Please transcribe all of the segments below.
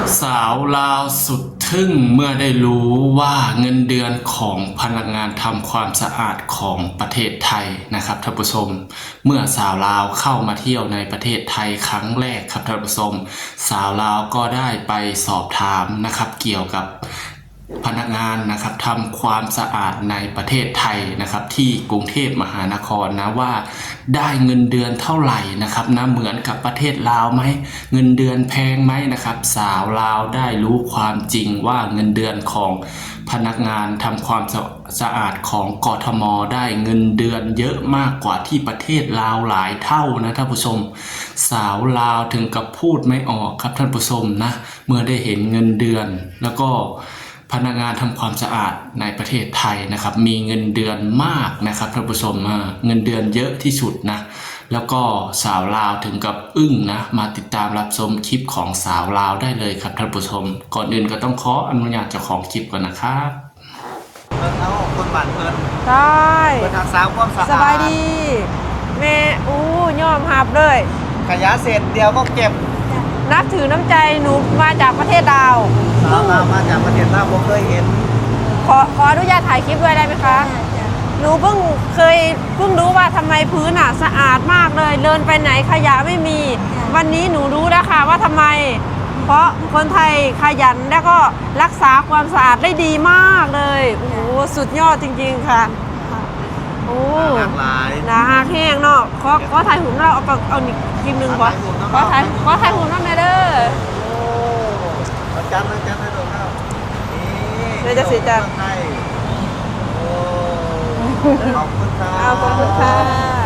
สาวลาวสุดทึ่งเมื่อได้รู้ว่าเงินเดือนของพนักงานทำความสะอาดของประเทศไทยนะครับท่านผู้ชมเมื่อสาวลาวเข้ามาเที่ยวในประเทศไทยครั้งแรกครับท่านผู้ชมสาวลาวก็ได้ไปสอบถามนะครับเกี่ยวกับพนักงานนะครับทำความสะอาดในประเทศไทยนะครับที่กรุงเทพมหานครนะว่าได้เงินเดือนเท่าไหร่นะครับนะเหมือนกับประเทศลาวไหมเงินเดือนแพงไหมนะครับสาวลาวได้รู้ความจริงว่าเงินเดือนของพนักงานทำความสะอาดของกทมได้เงินเดือนเยอะมากกว่าที่ประเทศลาวหลายเท่านะท่านผู้ชมสาวลาวถึงกับพูดไม่ออกครับท่านผู้ชมนะเมื่อได้เห็นเงินเดือนแล้วก็พนักงานทำความสะอาดในประเทศไทยนะครับมีเงินเดือนมากนะครับท่านผู้ชมเงินเดือนเยอะที่สุดนะแล้วก็สาวลาวถึงกับอึ้งนะมาติดตามรับชมคลิปของสาวลาวได้เลยครับท่านผู้ชมก่อนอื่นก็ต้องขออนุญาตเจ้าของคลิปก่อนนะครับเอาคนบ้านเพิ่นใช่เพิ่นทางสาวความสะอาดสบายดีแม่ยอมหับเลยขยะเสร็จเดียวก็เก็บนับถือน้ำใจหนูมาจากประเทศลาวสาวลาวมาจากประเทศลาวผมเคยเห็นขออนุญาตถ่ายคลิปด้วยได้ไหมคะหนูเพิ่งรู้ว่าทำไมพื้นสะอาดมากเลยเดินไปไหนขยะไม่มีวันนี้หนูรู้แล้วค่ะว่าทำไมเพราะคนไทยขยันแล้วก็รักษาความสะอาดได้ดีมากเลยโอ้โหสุดยอดจริงๆค่ะโอ้หลากหลายนะแห้งเนาะขอถ่ายหุ่นเราเอาอีกคลิปหนึ่งก่อนขอถ่ายหุ่นเราหน่อยเด้อโอ้จันให้ดูครับนี่จะสีจันโอ้ขอบคุณค่ะขอบคุณค่ะ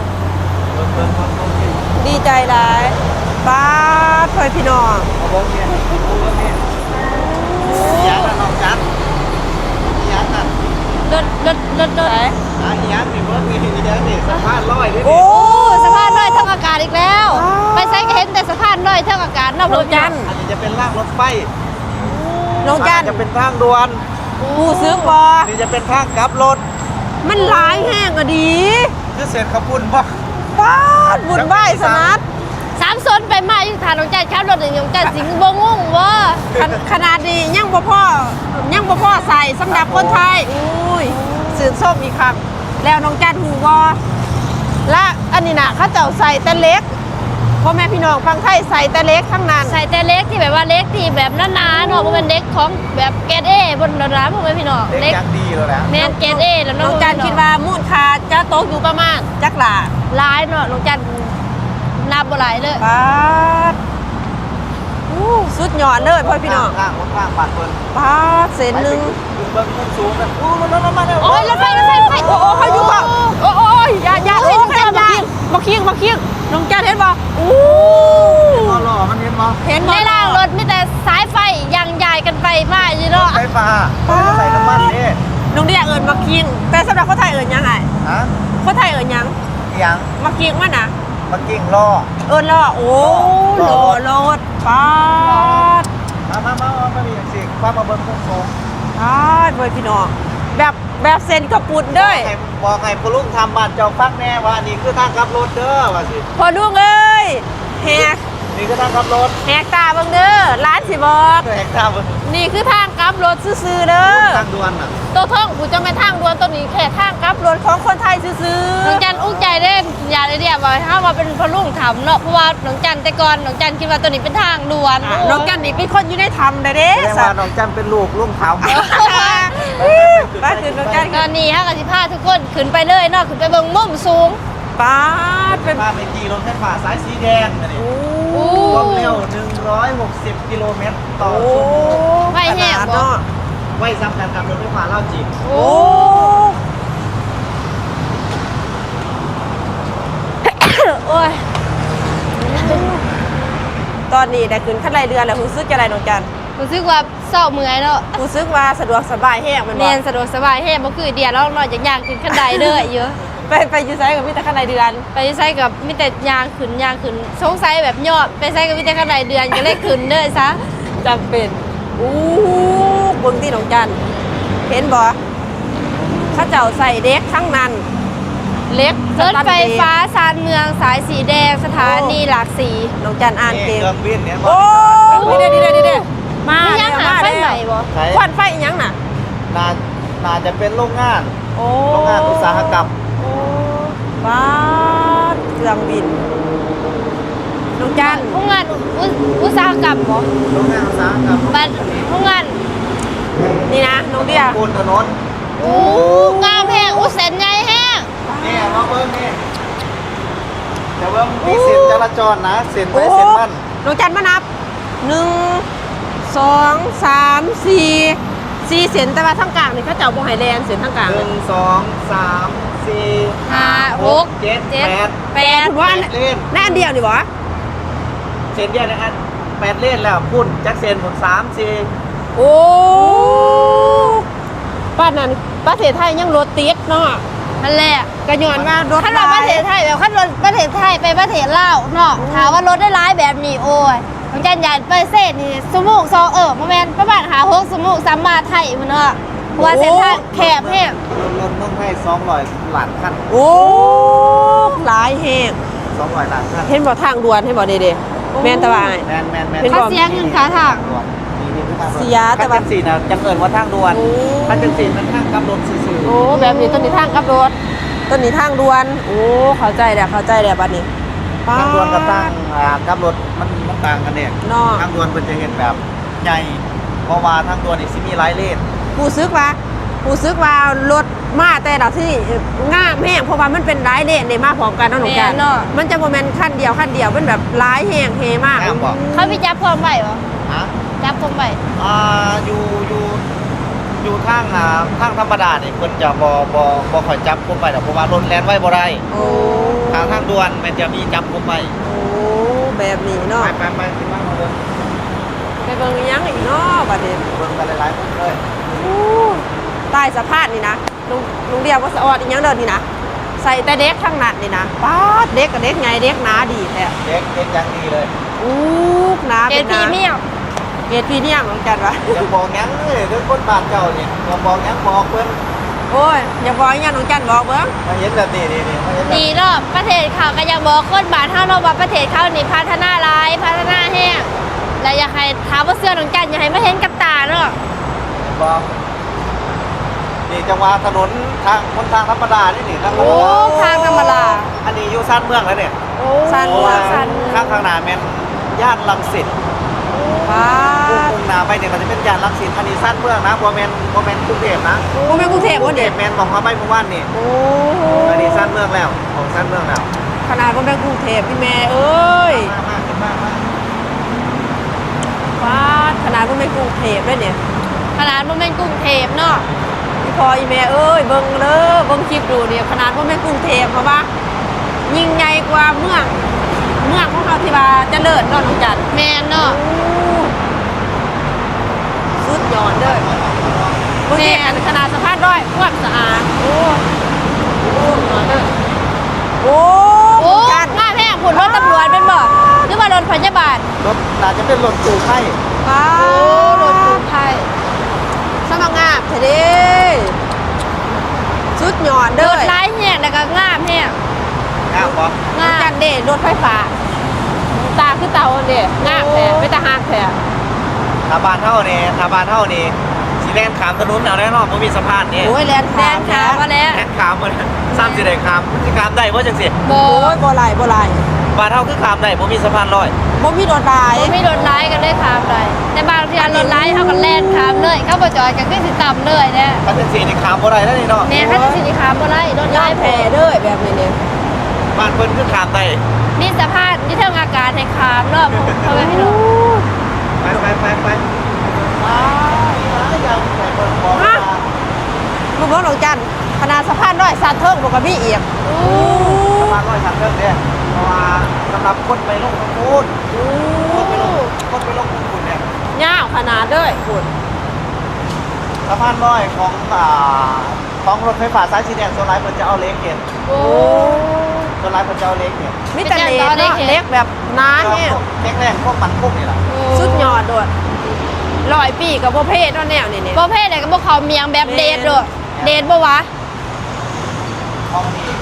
ดีใจหลายบ้าเพื่อนพี่น้องยันน้องจันยันน่ะเลิศไหนยันมีเบิร์ดมียันนี่สะพานลอยด้วยโอ้สะพานลอยเท่าอากาศอีกแล้วไปใส่ก็เห็นแต่สะพานลอยเท่าอากาศนอกรถจันอันนี้จะเป็นรางรถไฟน้องจันจะเป็นทางด่วนผู้ซื้อบอนี่จะเป็นทางกลับรถมันหลายแห้งอะดีคือเสร็จขบุญบ่ป้าบุญไหว้สนัดสามโซนไปมาอยู่ฐานน้องจันข้ามรถหนึ่งน้องจันสิงห์บงงว่าขนาดนี้ยังบ่พ่อใส่สำหรับคนไทยอุ้ยสื่นส้มอีกครับแล้วน้องจันหูวอและอันนี้นะเขาเจ้าใส่แต่เล็กพ่อแม่พี่น้องฟังไทยใส่แต่เล็กทั้งนั้นใส่แต่เล็กที่แบบว่าเล็กที่แบบหนาๆเนาะเป็นเล็กของแบบเกรดเอบนร้านพ่อแม่พี่น้องเล็กดีแล้วนะแมนเกรดเอแล้วน้องจันคิดว่ามูลค่าจะตกอยู่ประมาณจักหลาหลายเนาะน้องจันนับบ่หลายเลยป้าสุดยอดเลยพ่อพี่น้องข้างปัดเพิ่นป้าเส้นหนึ่งเบิ้งมุมสูงกันมาโอ้ยรถไฟโอ้เขาอยู่ป่ะโอ้ยอย่าให้น้องจันมาเคียงน้องจันเห็นป่ะหล่อมันเห็นป่ะเห็นในล่างรถมีแต่สายไฟยังใหญ่กันไปมาอยู่เนาะไฟฟ้าใส่น้ำมันนี่น้องเดียเอิญมาเคียงแต่สำหรับคนไทยเอิญยังไงคนไทยเอิญยังมาเคียงมันนะมากิ่งล่อล่อโอ้ล่อรถป้ามามีอย่างสิความมาเบิ้งมุมสูงเพื่อนพี่น้องแบบเซนกระปุดด้วยบอกไงพอลุงทำบัตรเจ้าฟักแน่ว่านี่คือทางขับรถเด้อว่าสิพอลุงเอ้ยแหกนี่คือทางขับรถแหกตาเบิ่งเด้อร้านสิบอกแหกตาเบิ่งนี่คือทางกลับรถซื่อๆเด้อทางด่วนอ่ะตัวท่องกูจะไม่ทางด่วนตัวนี้แค่ทางกลับรถของคนไทยซื่อๆน้องจันอุ้งใจเล่นอย่าเลยเดียวว่าถ้ามาเป็นพอลุงทำเนาะเพราะว่าน้องจันแต่ก่อนน้องจันคิดว่าตัวนี้เป็นทางด่วนน้องจันนี่เป็นคนอยู่ในธรรมเด้แสดงว่าน้องจันเป็นลูกลุงทำป้าถึงน้องจันตอนนี้ฮะกับสิพาทุกคนขึ้นไปเลยเนาะขึ้นไปเบิ่งมุมสูงป้าเป็นมาเป็นกี่รถไฟฟ้าสายสีแดงนี่ความเร็ว160กิโลเมตรต่อชั่วโมงไวแห้งบ่ไวซ้ำกันกับรถไฟฟ้าเล่าจีบโอ้ยตอนนี้ได้ขึ้นขั้นไรเรือนแล้วรู้สึกอะไรน้องจันรู้สึกว่าเศร้าเมื่อยเนาะรู้สึกว่าสะดวกสบายแห้งมันเรียนสะดวกสบายแห้งบ่คือเดียวเราเนาะอย่างขึ้นขั้นใดเด้อเยอะไปยูไซกับมิตรขั้นไรเดือนไปยูไซกับมิตรยางขึ้นสงสัยแบบยอดไปไซกับมิตรขั้นไรเดือนก็เลยขึ้นเด้อซะจำเป็นเบิ่งที่น้องจันเห็นบ่ข้าเจ้าใส่เด็กทั้งนั้นเล็กรถไฟฟ้าชานเมืองสายสีแดงสถานีหลากสีน้องจันอ่านเก่งเครื่องบินเนี่ยโอ้ดีเด้มมาไม่แล้ยัวงหามาไฟแล้ใหม่วบ่ใช้ควันไฟอีหยังน่ะน่าจะเป็นโรงงานโอ้โรงงานอุตสาหกรรมโอ้บ้าเครื่องบินน้องจันโรงงานอุตสาหกรรมบ่โรงงานอุตสาหกรรมบัดโรงงานนี่นะน้องเดียปูนถนนอู้งามแห้งอู้เส้นใหญ่แห้งนี่มาเบิ้งนี่เดี๋ยวเบิ้งมีเส้นจราจรนะเส้นไปเส้นมันน้องจันมานับ1 2 3 4เส้นแต่ว่าทั้งกลางนี่เขาเจ้าบ่ให้แลนเส้นทั้งกลางหนึ่งสองสามสี่ห้าหกเจ็ดแปดแปดถือว่าอันเล่นแน่อันเดียวนี่บ่เส้นเดียวนะอัน8 เลนแล้วพุ่นจักเส้นผม3 4 โอ้ป้านนั้นประเทศไทยยังรถติดเนาะนั่นแหละก็ย้อนว่ารถขั้นเราประเทศไทยแบบขั้นรถประเทศไทยไปประเทศลาวเนาะถามว่ารถได้ร้ายแบบนี้โอ้ยน้องจันยานไปเส้นนี่สมูกซองประมาณ6 สมูก3 บาทไทยมันเนาะเพราะว่าเส้นทางแคบแห้งรถต้องให้200 ล้านคันโอ้หลายแฮง 200 ล้านคันเห็นบ่ทางด่วนเห็นบ่เด้ๆแม่นแตะว่าอ้ายแมนเป็นเขาเสียเงินค่าทางเสียแต่ว่าขั้น4นะจังเอิญว่าทางด่วนโอ้ขั้น4มันทางกำรถซื่อโอ้แบบนี้ต้นนี้ทางกับรถต้นนี้ทางด่วนโอ้เข้าใจแล้วบัดนี้ๆทางด่วนกับทางกำรถมันต่างกันเนี่ยเนาะทางด่วนเป็นจะเห็นแบบใหญ่เพราะว่าทางด่วนนี่สิมีหลายเลนผู้ซึกว่ารถมาแต่ละที่งามแห้งเพราะว่ามันเป็นหลายเลนได้มาพร้อมกันเนาะหนูกันแม่นเนาะมันจะบ่แม่นคันเดียวเป็นแบบหลายแห้งเฮมากงามบ่เขาไปจับความไหวบ่ฮะจับความไหวอยู่ทางธรรมดานี่เพิ่นจะบ่ค่อยจับคุมไปดอกเพราะว่ารถแล่นไว้บ่ได้โอ้ทางด่วนมันจะมีจับคุมไปโอ้แบบนี้เนาะไปสิมาเบิ่งไปเบิ่งอีหยังอีกเนาะบัดนี้เบิ่งกันหลายๆคนเลยอู้ใต้สะพานนี่นะลุงเดียวว่าสะออดอีหยังเดินนี่นะใส่แต่เด็กข้างหนัดนี่นะป๊าดเด็กกับเด็กไงเด็กหนาดีแท้เด็กยังดีเลยอู้หนาเกเป็นตีหนาเมี่ยวเกรดพรีเมียมของจันวะยังบอกยังเลยเรื่องคนบ้านเก่านี่บอกยังบอกเพิ่นโอ้ยอย่าบอกอีหยังของจันบอกเบิ่งมาเห็นแบบนี้นี่มาเห็นแบบดีเนาะประเทศเขาก็ยังบอกคนบ้านเฮาเนาะว่าประเทศเขานี่พัฒนาหลายพัฒนาแห้งแล้วอยากให้ถามว่าเสื้อน้องจันอยากให้มาเห็นกับตาเนาะบอกนี่จังหวะถนนทางคนทางธรรมดานี่ทางโอ้ทางธรรมดาอันนี้อยู่ซ่านเมืองแล้วเนี่ยโอ้สั้นเพราะกว่าว่าสั้นข้างหน้าแม่นย่านรังสิตป๊าดมุ่งหน้าไปเนี่ยมันจะเป็นย่านรังสิตอันนี้ซ่านเมืองนะบ่แม่นกรุงเทพนะบ่แม่นกรุงเทพกรุบ่งเทเด็พแม่นบอกเขาไปเมื่อวานนี่โอ้อันนี้ซ่านเมืองแล้วของซ่านเมืองแล้วขนาดบ่แม่นกรุงเทพพี่แม่เอ้ยมาป๊าดขนาดบ่แม่นกรุงเทพเลยเนี่ยขนาดบ่แม่นกรุงเทพเนาะพี่พออีแม่เอ้ยเบิ่งเด้อเบิ่งคลิปดูเนี่ยขนาดบ่แม่นกรุงเทพเพราะว่ายิ่งใหญ่กว่าเมืองของเราที่ว่าเจริญเนาะน้องจันแม่นเนาะสุดยอดเด้อบางทีอันขนาดสะพานร้อยความสะอาดโอ้ยอดเด้อโอ้โอ้จันงามแห้งผุนรถตำรวจเป็นบ่หรือว่ารถพยาบาลรถน่าจะเป็นรถตู้ไข่ป้ารถกู้ภัยสมัครงามเถอะเด้สุดยอดรเด้อถร้ายแห้งแล้วก็งามแห้งงามบ่น้องจันเด้รถไฟฟ้าตาคือเตาเด้งามแท้ไม่ตาหักแท้ถ้าบ้านเฮานี่สิแล่นข้ามถนนเอาแน่นอนบ่มีสะพานนี่โอ้ยแลนแดนขาวมาแล้วแล่นข้ามมันซ้ำสิได้ข้ามมันสิข้ามได้บ่จังซี่บ่โอ้ยบ่ไหลบ่ไหลบ้านเฮาคือข้ามได้บ่มีสะพานลอยบ่มีรถหลายบ่มีรถร้ายกันเลยขามเลยแต่บางทีรถร้ายเขาก็แล่นขามเลยเขาบ่จอดก็คือสิต่ำเลยเนี่ยถ้าจังซี่นี่ข้ามบ่ได้แล้วนี่เนาะแม่เขาจะสิขามบ่ได้รถย้าร้ายยแพ้เด้อแบบนี้เนี่ยบ้านเพิ่นคือข้ามได้มีสภาพที่เทิงอากาศให้ขามเนาะเพราะว่าพี่น้องไปยังใส่เบิ่งบ่ฮะ ลูกน้องน้องจันขนาดสะพานร้อยสานเทิงบ่ก็มีอีกสะพานลอยทางเดินเด้เพราะว่าสำหรับคนไปลงทางนู้นคนไปลงทางนู้นเนี่ยยาวขนาดเด้อคุณสะพานลอยของรถไฟฟ้าสายสีแดงโซนไลท์เพิ่นจะเอาเล็กเห็นโอ้โซนไลท์เพิ่นจะเอาเล็กเนี่ยมีแต่เล็กเนาะเล็กแบบหน้าแห้งเล็กแรกพวกมันพวกนี่แหละสุดยอดด้วย100 ปีกับบ่เพศเนาะแนวนี่เนี่ยประเภทไหนก็บ่เขาเมียงแบบเดทด้วยเดทบ่วะห้องนี้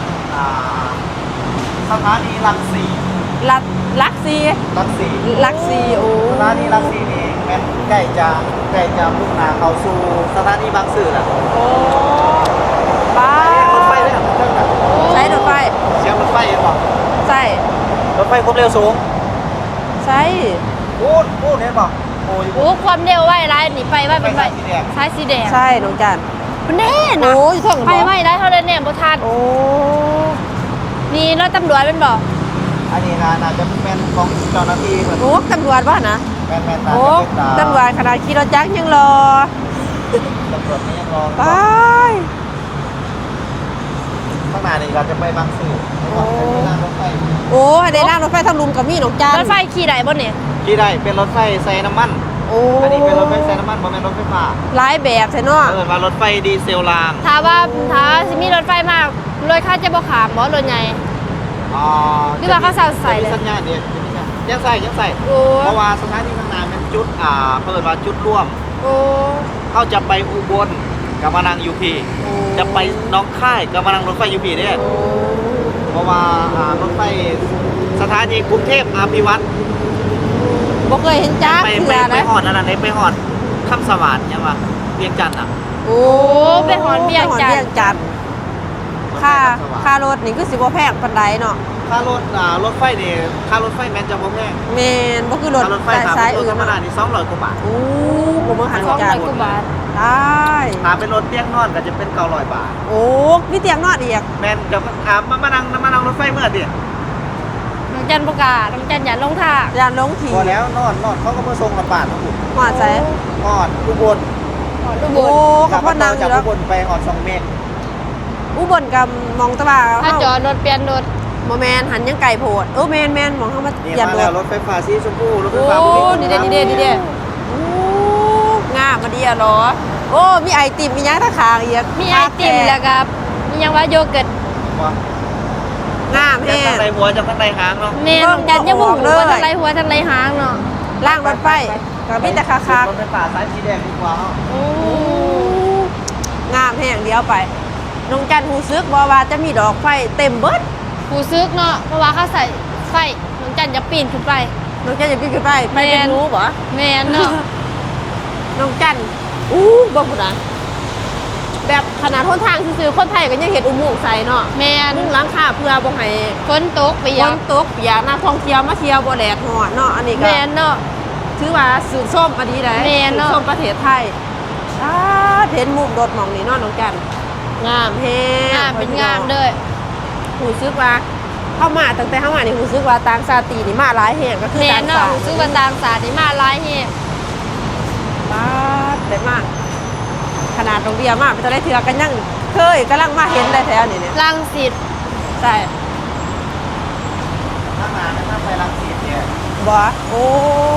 สถานีรังสีลักซีรังสีลักซีโอ้สถานีรังสีนี่แม่นใกล้จะมุ่งหน้าเข้าสู่สถานีบางซื่อแหละโอ้บ้ารถไฟเลยอ่ะเครื่องน่ะใช้รถไฟเสียงรถไฟเห็นบ่ใช่รถไฟความเร็วสูงใช่พูดเห็นบ่โอ้ยโอ้ความเร็วไว้ร้ายหนีไปไว้เป็นไว้ซ้ายสีแดงใช่น้องจันมันแน่นะโอ้ยเท่ากันไปบ่ไว้ได้เท่านั้นเนี่ยบ่ทันโอ้นี่รถตำรวจเป็นบ่อันนี้น่าจะเป็นแม่นของเจ้าหน้าที่เหมือนโหตำรวจว่านะแม่นน่าโอ้จะเป็นตำรวจขนาดขี่รถจักรยังรอตำรวจนี่ยังรอไปข้างหน้านี่เราจะไปบางซื่อไม่ต้องเป็นเวลารถไฟโอ้ให้ได้นั่งรถไฟทางลุมกับมี่น้องจันรถไฟขี่ได้บ่เนี่ยที่ได้เป็นรถไฟใส่น้ำมันโอ้อันนี้เป็นรถไฟใส่น้ำมันบ่แม่นรถไฟฟ้าหลายแบบใช่เนาะเออว่ารถไฟดีเซลรางถ้าสิมีรถไฟมารถข้าจะบ่ขามบ่รถใหญ่อ๋อหรือว่าเขาใส่เลยจะมีสัญญาณเนี่ยยังใส่โอ้เพราะว่าสถานีข้างหน้าเป็นจุดเปิดว่าจุดร่วมโอ้เขาจะไปอุบลกับมานังยูพีจะไปหน้องค่ายกับมานังรถไฟยูพีเนี่ยเพราะว่ารถไฟสถานีกรุงเทพอภิวัตรบ่เคยเห็นจักรไปเถื่อไปนะหอดนั่นน่ะไปหอดคำสวัสดิ์ยังวะเวียงจันทน์อ่ะโอ้ไปหอนเวียงจันทน์ไปหอนเวียงจันทน์ค่ารถนี่คือสิบ่แพงปานใดเนาะค่ารถรถไฟนี่ค่ารถไฟแมนจะบ่แพงแม่นบ่คือรถค่ารถไฟถามสายเป็นรอื่ถนธรรมดาเนาะนี่200กว่าบาทโอ้บ่มาหัน 200 จันกว่าบาทได้ถ้าเป็นรถเตียงนอนก็จะเป็น900บาทโอ้มีเตียงนอนอีกแมนกับมานั่งรถไฟเมื่อดิน้องจันบ่กล้าน้องจันอย่าลงท่ายานลงทีพอแล้วนอนเขาก็มาส่งกับบาททั้งหมดหอดใส่นอนอุบลหอนอุบโอ้ลกับพ่อนางอจากยู่แล้วอุบลไปหอด2 เมตรอุบลกับมองตะบ่าถ้าจอดรถเปลี่ยนรถบ่แม่นหันยังไก่โพดโอ้แม่นมองเข้ามานี่เหยียบมาร แล้วถรถไฟฟ้าสีชมพูรถไฟโอ้ฟ้าภูมิพลดีเด้โอ้งามมาดีอะเหรอโอ้มีไอติมมีหยังตะขางอีกมีไอติมแล้วก็มีหยังว่าโยเกิร์ตว่างามจากแฮข้างงในหัวจากข้างในหางเนาะแม่น้องจันยังบ่ฮู้ว่าทั้งไรหัวทั้งไรหางเนาะล่างรถไฟก็มีแต่คารถไฟฟ้าสายสีแดงดีกว่าเนาะโอ้งามแฮงเดียวไปน้องจันฮู้ซึกบ่ว่าจะมีดอกไฟเต็มเบิดผู้ซึกเนาะเพราะว่าเขาใส่ไฟน้องจันจะปีนขึ้นไปน้องจันจะปีนขึ้นไปไปแม่นเป็นรู้บ่แม่นเนาะน้องจันบ่พุ่นน่ะแบบขนาดหนทางซื่อๆคนไทยก็ยังเห็นอุโมงค์ใส่เนาะแม่นมุ่งหลังคาเพื่อบ่ให้ฝนตกเปีฝยกนตกเปียกนักท่องเที่ยวมาเที่ยวบ่แดดร้อนเนาะอันนี้ก็แม่นเนาะถือว่าสื่อส้มอันนี้ได้แม่นสื่เนาะอส้มประเทศไทยเห็นมุมรถหมองนี้เนาะน้องจันงามแฮงงามเป็นงามเด้อหูซึกว่าเข้ามาตั้งแต่เข้ามานี่หูซึกว่าต่างชาตินี่มาหลายแห่งก็คือแม่ต่าน งเนาะชาติผู้ซึกว่าต่างศาสตร์นี่มาหลายแฮงบ้าแต่มากขนาดโรงเรียนมากไปจะได้เถือกันยังเคยกำลังมาเห็นได้แถวนี่เนี่ยรังสิตใช่ข้างหน้านั่นนั่งไปรังสิตเนี่ยบ่โอ้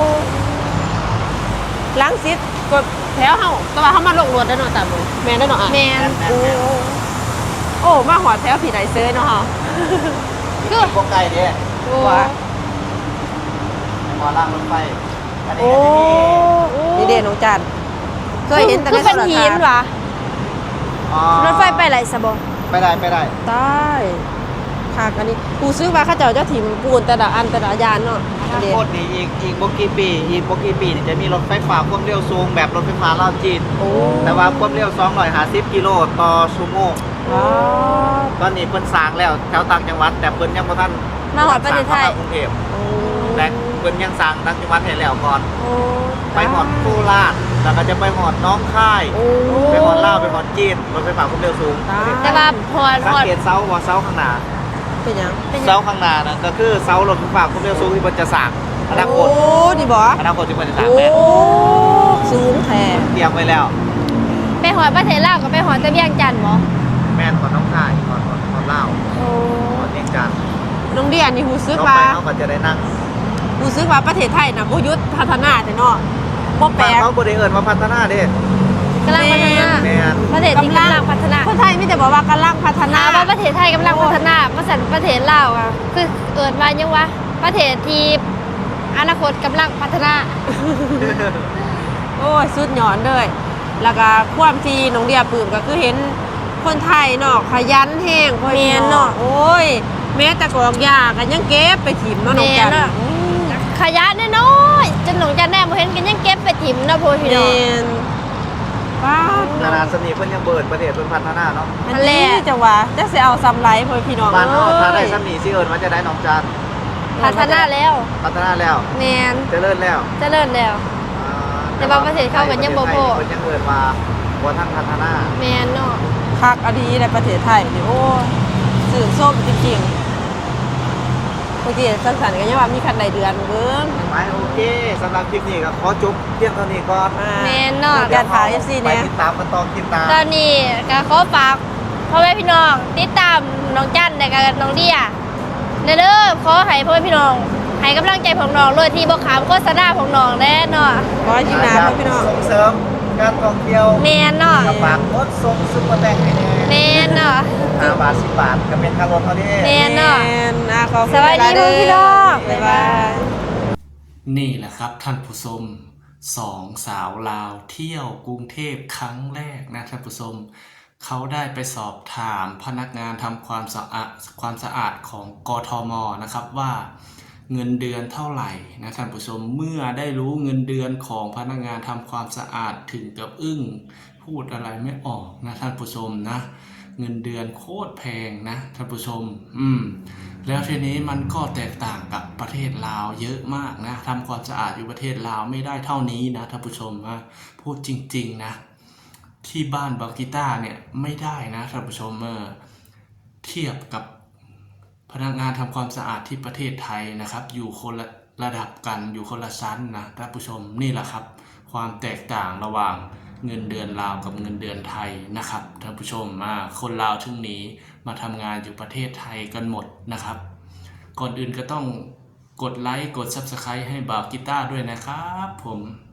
ล้างซิดก็แถวเฮาแต่ว่าเฮามาลงรถได้เนาะตามมือแม่นได้เนาะอ่ะแม่นโอ้โอ้มาหอดแถวผีไหนเซยเนาะเฮาคือพวกไก่เนี่ยโอ้ว่าหมอล่างรถไฟอันนี้โอ้ก็จะมีนี่เด่นน้องจันเคยเห็นแต่คืในอเป็นโทรหิทัศนน์วะอ๋อรถไฟไปไหนสะบ่ไปได้ได้ค่ะอันนี้กูซื้อมาข้าเจ้าเจ้าถิ่มปูนแต่ละอันแต่ละยานเนาะอนาเด่นคตนี่อีกบ่กี่ปีนี่จะมีรถไฟฟ้าความเร็วสูงแบบรถไฟฟ้าลาวจีนโอ้แต่ว่าความเร็ว250กิโลต่อชั่วโมงว้าวตอนนี้เพิ่นสร้างแล้วแถวต่างจังหวัด แต่เพิ่นยังบ่ทันมาหอดประเทศไทยสร้างเข้ามากรุงเทพโอ้และเพิ่นยังสร้างต่างจังหวัดให้แล้วก่อนโอ้ไปหอดโคราชแล้วก็จะไปหอดน้องค่ายโอ้ไปหอดลาวไปหอดจีนรถไฟฟ้าความเร็วสูงแต่ว่าพอสังเกตเสาว่าเสาข้างหน้าเป็นยังเสาข้างหน้านั่นก็คือเสารถไฟฟ้าความเร็วสูงที่เพิ่นจะสร้างอนาคตโอ้ดีบ่อนาคตที่เพิ่นจะสร้างโอ้แม่นสูงแท้เตรียมไว้แล้วไปหอดประเทศลาวกับไปหอดตะเวียงจันทน์บ่แม่นก่อนน้องค่ายก่อนลาวโอ้ก่อนเวียงจันทน์น้องเดียนนี่หูซึกต่อว่าไปเขาก็จะได้นั่งหูซึกว่าประเทศไทยน่ะบ่หยุดพัฒนาแต่เนาะบ่แปลบ้านกเขาบ่ได้เอิ้นว่าพัฒนาเด้กำลังพัฒนาแม่นประเทศที่กำลังพัฒนาคนไทยมีแต่บอกว่ากำลังพัฒนาว่าประเทศไทยกำลังพัฒนามาสั่นประเทศลาวอ่ะคือเอิ้นว่ายังวะประเทศที่อนาคตกำลังพัฒนาโอ้ยสุดยอดเลยแล้วก็ความที่น้องเดียปลื้มก็คือเห็นคนไทยเนาะขยันแห้งพ่อแม่พี่นเนาะเนาะโอ้ยแม้แต่กอกยาก็ยังเก็บไปถิ่มเนาะน้องจันแม่นเนาะ ขยะน้อยๆจนหนองจันแน่บ่เห็นกันยังเก็บไปทิโพดพี่น้องนป้าดนานาสนิทเพิ่นยังเบิดประเทศเพิ่นพัฒนาเนาะอันนี้จังหวะจะสิเอาซ้ำไรพ่อพี่น้องบ้านเฮาถ้าได้เอ้ยสนิทสิเอิ้นว่าจะได้น้องจันพัฒนาแล้วพัฒนาแล้วแมนเจริญแล้วเจริญแล้ว แต่ว่าประเทศเขาก็ยังบ่พอเพิ่นยังเอิ้นว่าบ่ทันพัฒนาแมนเนาะคักอดีในประเทศไทยนี่โอ้ยสื่อส้มจริงๆบางทีสังสรรค์กันยังว่ามีคันใดเดือนเบิ่งไปโอเคสำหรับคลิปนี้ก็ขอจบเพียงเท่านี้ก่อนแมนเนาะการถ่าย FC ไปเนี่ยติดตามกันต่อคลิปหน้าตอนนี้ก็ขอฝากพ่อแม่พี่น้องติดตามน้องจันและก็น้องเดียเด้อขอให้พ่อแม่พี่น้องให้กำลังใจของน้องเลยที่บ่ขามโฆษณาของน้องแน่เนาะขอให้ยิ้มหนาพ่อพี่น้องส่งเสริมการท่องเที่ยวแมนเนาะกับฝากรถส่งซุปเปอร์แตงให้แน่แมนเนาะ 5 บาท 10 บาทก็เป็นค่ารถเท่านี้แม่ นเนาะแม่นอ่ะขอบคุณสวัสดีหลายๆเด้พี่น้องบ๊ายบายนี่แหละครับท่านผู้ชมสองสาวลาวเที่ยวกรุงเทพครั้งแรกนะท่านผู้ชมเขาได้ไปสอบถามพนักงานทำความสะอาดของกทมนะครับว่าเงินเดือนเท่าไหร่นะท่านผู้ชมเมื่อได้รู้เงินเดือนของพนักงานทำความสะอาดถึงกับอึ้งพูดอะไรไม่ออกนะท่านผู้ชมนะเงินเดือนโคตรแพงนะท่านผู้ชมแล้วทีนี้มันก็แตกต่างกับประเทศลาวเยอะมากนะทำความสะอาดอยู่ประเทศลาวไม่ได้เท่านี้นะท่านผู้ชมนะพูดจริงๆนะที่บ้านบากิต้าเนี่ยไม่ได้นะท่านผู้ชมเทียบกับพนักงานทำความสะอาดที่ประเทศไทยนะครับอยู่คนละระดับกันอยู่คนละชั้นนะท่านผู้ชมนี่แหละครับความแตกต่างระหว่างเงินเดือนลาวกับเงินเดือนไทยนะครับท่านผู้ชมคนลาวถึงหนีมาทำงานอยู่ประเทศไทยกันหมดนะครับก่อนอื่นก็ต้องกดไลค์กด Subscribe ให้บ่าวกีตาร์ด้วยนะครับผม